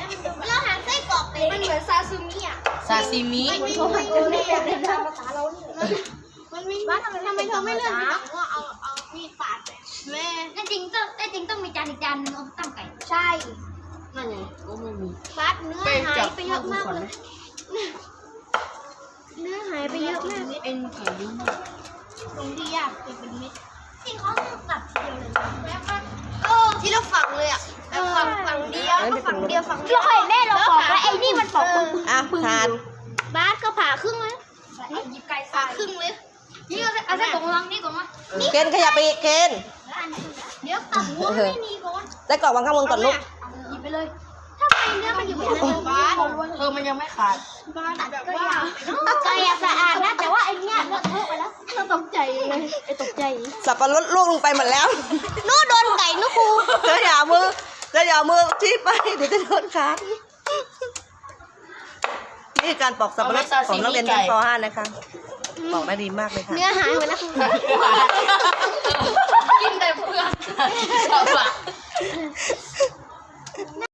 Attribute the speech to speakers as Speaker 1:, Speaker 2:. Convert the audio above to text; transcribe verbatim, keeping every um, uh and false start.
Speaker 1: เราหาไส้กรอกเลยมันเหมือนซาซูมิอ่ะ
Speaker 2: ซาซิมิ
Speaker 1: มันมีมันมีแบบในภาษาเราเนี่ยมันมีบ้านทำไมทำไมเธอไม่เลือกว่าเอาเอามีดปาดแม่แน่จริงต้องแน่จริงต้องมีจานอีกจานนึงเอาตั้งไก่ใช่นั่นไงก็ไม่มีฟาดเนื้อหายไปเยอะมากเลยเนื้อหายไปเยอะมากเอ็นไก่เยอะมากตรงที่ยากเป็นเป็นเม็ดที่เขาตัดทีเดียวเลยแล้วก็เออที่เราฝังเลยอ่ะแบบฝังฝังเดียวฝังเดียวฝังเดียวเราเคยแม่เราบอกว่าไอ้นี่มันปอกปึ้ง
Speaker 3: อ่ะทาน
Speaker 1: บาสก็ผ่าครึ่งเลยหยิบไก่ผ่าครึ่งเลยนี่เอาเอาใส่กล่องลังนี่ก่อนมา
Speaker 3: เคนขยับไปอีกเคน
Speaker 1: เดี๋ยวตับหัวไม่มีก่อน
Speaker 3: ได้กรอกวางข้างบนก่อนลูก
Speaker 1: หยิบไปเลยถ้าไปเนื้อมันอยู่บนนั้นบาส
Speaker 2: เออมันยังไม่ขาด
Speaker 1: บาสแบบว่าไก่สะอาดนะแต่ว่าไอ้เนี่ยเลอะเทอะไปแล้วเราตกใจเลยไอ้ตกใจ
Speaker 3: สับปะรดลูกลงไปหมดแล้ว
Speaker 1: นู้โดนไก่นู้ครู
Speaker 3: เธออย่าเอามือเธออย่าเอามือที่ไปเดี๋ยวจะโดนขาดนี่คือการปอกสับปะรดของนักเรียนชั้นป .ห้า นะคะปอกได้ดีมากเลยค่ะ
Speaker 1: เนื้อหายหมดแล้ว